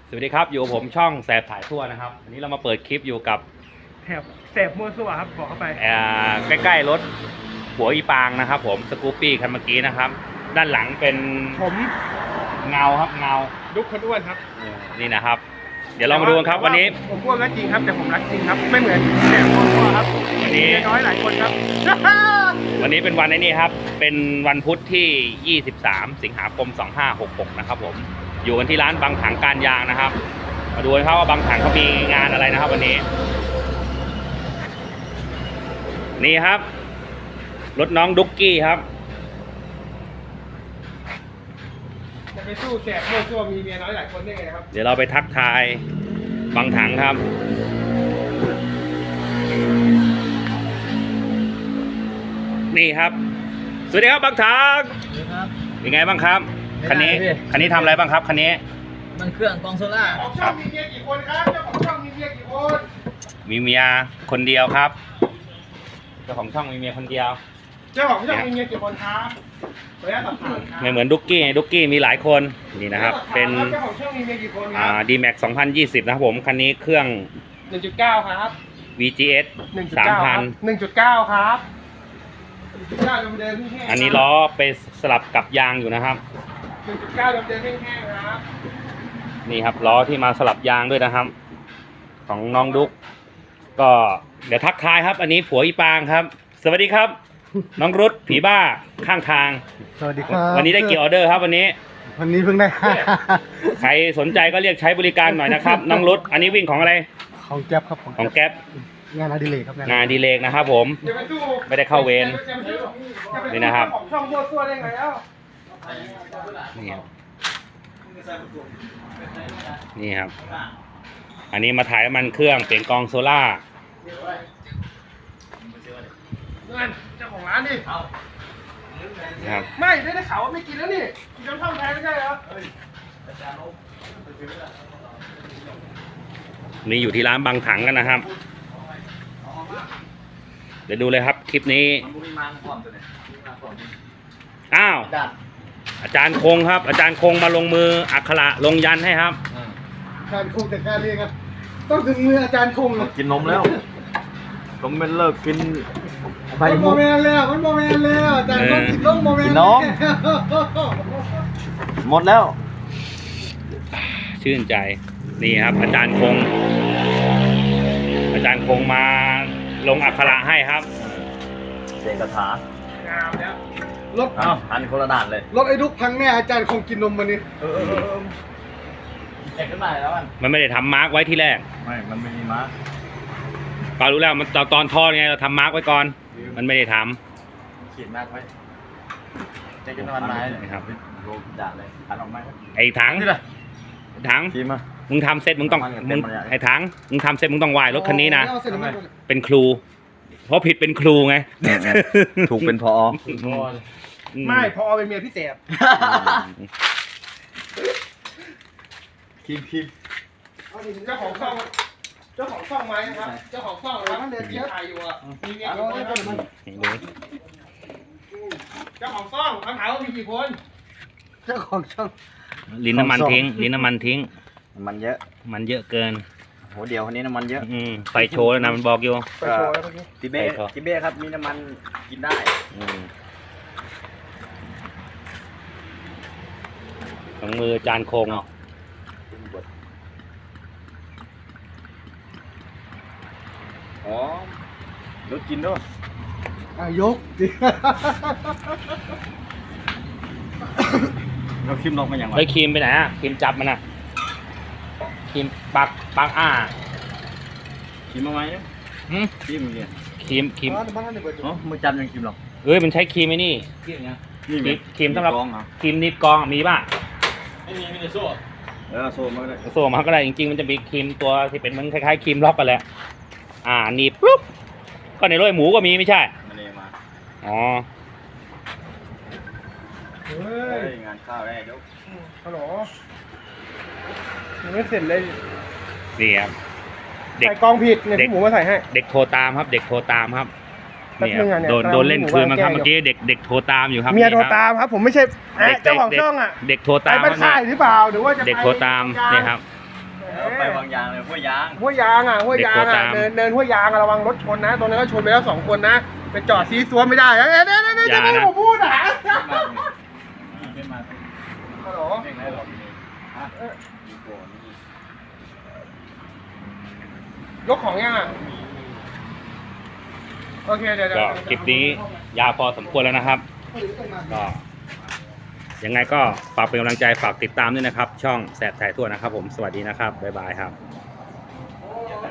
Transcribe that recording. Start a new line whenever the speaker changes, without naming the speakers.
สวัสดีครับอยู่กับผมช่องแสบถ่ายทั่วนะครับวันนี้เรามาเปิดคลิปอยู่กับ
แสบมัวซั่วครับบอกเข้าไป
ใกล้ๆรถหัวอีปางนะครับผมสกูปปี้คันเมื่อกี้นะครับด้านหลังเป็น
ผม
เงาครับเงา
ดุ๊กคนอ้วนครับ
นี่นะครับเดี๋ยวเรามาดูกันครับวันนี้
ผมอ้วนก็จริงครับแต่ผมรักจริงครับไม่เหมือนแสบมัวซั่วครับ
วันนี้
น้อยหลายคนครับ
วันนี้เป็นวันนี้ครับเป็นวันพุธที่23สิงหาคม2566นะครับผมอยู่กันที่ร้านบางถังการยางนะครับมาดูกันครับว่าบางถังเขามีงานอะไรนะครับวันนี้นี่ครับรถน้องดุ๊กกี้ครับ
จะไปสู้แสบมัวซั่วมีเมียน้อยหลายคนได้ไงครับ
เดี๋ยวเราไปทักทายบางถังครับนี่ครับสวัสดีครับบางถังเป็นไงบ้างครับคันนี้ทำอะไรบ้างครับคันนี้
มันเครื่องกองโซล่า
ของช่องมีเมียกี่คนครับเจ้าของช่องมีเมียกี่คน
มีเมียคนเดียวครับเจ้าของช่องมีเมียคนเดียว
เจ้าของช่องมีเมียกี่คนครับขออนุญาตสอบถามครับ
ไม่เหมือนดุ๊กกี้มีหลายคนนี่นะครับเป็น
เจ้าของช่องมีเมียกี่คนครับ
D-Max 2020นะครับผมคันนี้เครื่อง
1.9 ครับ
VGS
1.9 1.9 ครับ
อันนี้ล้อไปสลับกับยางอยู่นะครับ
1.9 เดิมแห้งๆครับ
นี่ครับล้อที่มาสลับยางด้วยนะครับของน้องดุ๊กก็เดี๋ยวทักทายครับอันนี้ผัวอีปางครับสวัสดีครับน้องรุดผีบ้าข้างทาง
สวัสดีครับ
วันนี้ได้กี่ออเดอร์ครับวันนี้
เพิ่งได้
ใครสนใจก็เรียกใช้บริการหน่อยนะครับน้องรุดอันนี้วิ่งของอะไร
ของแก๊ปครับ
ของแก๊ป
งานอดิเรกครับ
งานอดิเรกนะครับผมไม่ได้เข้าเวรนี่นะครับ
ของช่องมัวซั่วได้ไงแล้ว
นี่ครับอันนี้มาถ่ายน้ำมันเครื่องเปลี่ยนกองโซล่า
เจ้าของร้านดิ
ครับ
ไม่ได้ข่าวว่าไม่กินแล้วนี่กินน้ำท่อมแทนไม่ใช่เหรอ
นี่อยู่ที่ร้านบางถังกันนะครับเดี๋ยวดูเลยครับคลิปนี้อ้าวอาจารย์คงครับอาจารย์คงมาลงมืออักขระลงยันให้ครับ
อาจารย์คงแต่การเรียนครับต้องถึงมืออาจารย์คงเลย
กินนมแล้วผมเป็นเลิกกิน
ใบโมเมนต์แล้วมันโมเมนต์แล้วอาจารย์คงกินนมโมเมนต์
นมหมดแล้ว
ชื่นใจนี่ครับอาจารย์คงมาลงอักขระให้ครับ
เสกคาถาง
ามแล้ว
รถ
อันคนละด่านเลย
รถไอ้ดุ๊กพังแน่อาจารย์คงกินนมวันนี้
เสกขึ้นมาแล้ว
มันไม่ได้ทำมาร์กไว้ที่แรก
ไม่มันไม่มีมาร์ก
ปารู้แล้วมันตอนทอดไงเราทำมาร์กไว้ก่อนมันไม่ได้ท
ำขีดมาร์กไว้เจ๊จะนอนไม้เลยครับโลด่านเลยถังออกไม้
ไอ้ถัง
ขีดมา
มึงทำเสร็จมึงต้องไอ้ถังมึงทำเสร็จมึงต้องไหว้รถคันนี้นะเป็นครูเพราะผิดเป็นครูไง
ถูกเป็นพอ
ไม่พอเป็นเมียพี่เสบ
คีม
เจ้าของช่องไหมนะครับเจ้าของช่องแล้วมันเดินเที่ยวถ่ายอยู่อ่ะมีเมียกี่คนเจ้าของช่องเขาถามว่ามีกี่คน
เจ้าของช่อง
ลิ้นน้ำมันทิ้ง
มันเยอะ
มันเยอะเกิน
โหเดี๋ยวคนนี้น้ำมันเยอะ
ไฟโชว์แล้วนะมันบอกอยู่
ไฟโชว์แล้ว
ทิเบ้ครับมีน้ำมันกินได้
ของมือจานคง
อ๋อรถกินด้วย
ยกดิ
เราครีมลงมาอย่างไร
ครีมไปไหนอ่ะครีมจับมันอ่ะครีมปัก
ครีมมาไหมครีมเงี้ย
ครีม
มือจับยังครีมหรอก
มันใช้ครีมไอ้นี่ครีมสำหรับครีมนิบกองมีป่ะ
ไม่มีแต่โซ่โซ่มาก็ได้
จริงๆมันจะมีครีมตัวที่เป็นเหมือนคล้ายๆครีมล็อกกันแหละหนีบปุ๊บก็ในโรยหมูก็มีไม่ใช่อ๋
องานข้าวได้ยก
ฮัลโหลยังไม่เสร็จเลย
นี่ครับ
ใส่กองผิดเนี่ยพี่หมูมาใส่ให้
เด็กโทรตามครับนี่โดนเล่นคืนมาครับเมื่อกี้เด็กโทรตามอยู่ครับ
เมียโทรตามครับผมไม่ใช่เจ้าของช่องอ่ะ
เด็กโทรตาม
ไปถ่ายหรือเปล่าหรือว่าจะ
เด็กโทรตามนี่ครับ
ไปวางยางเลยห้วยยาง
ห้วยยางอ่ะเนินห้วยยางระวังรถชนนะตรงนั้นก็ชนไปแล้ว2 คนนะไปจอดซีซัวไม่ได้เดี๋ยวจะไม่ผมพูดอ่ะ
ไม่มา
ฮัลโหล
เร่งได้หรอก
ยกของยังอ่ะโอเคเดี๋ยว
ก็คลิปนี้ยาวพอสมควรแล้วนะครับ ก็ยังไงก็ฝากเป็นกำลังใจฝากติดตามด้วยนะครับ ช่องแสบถ่ายทั่วนะครับผมสวัสดีนะครับบ๊ายบายครับ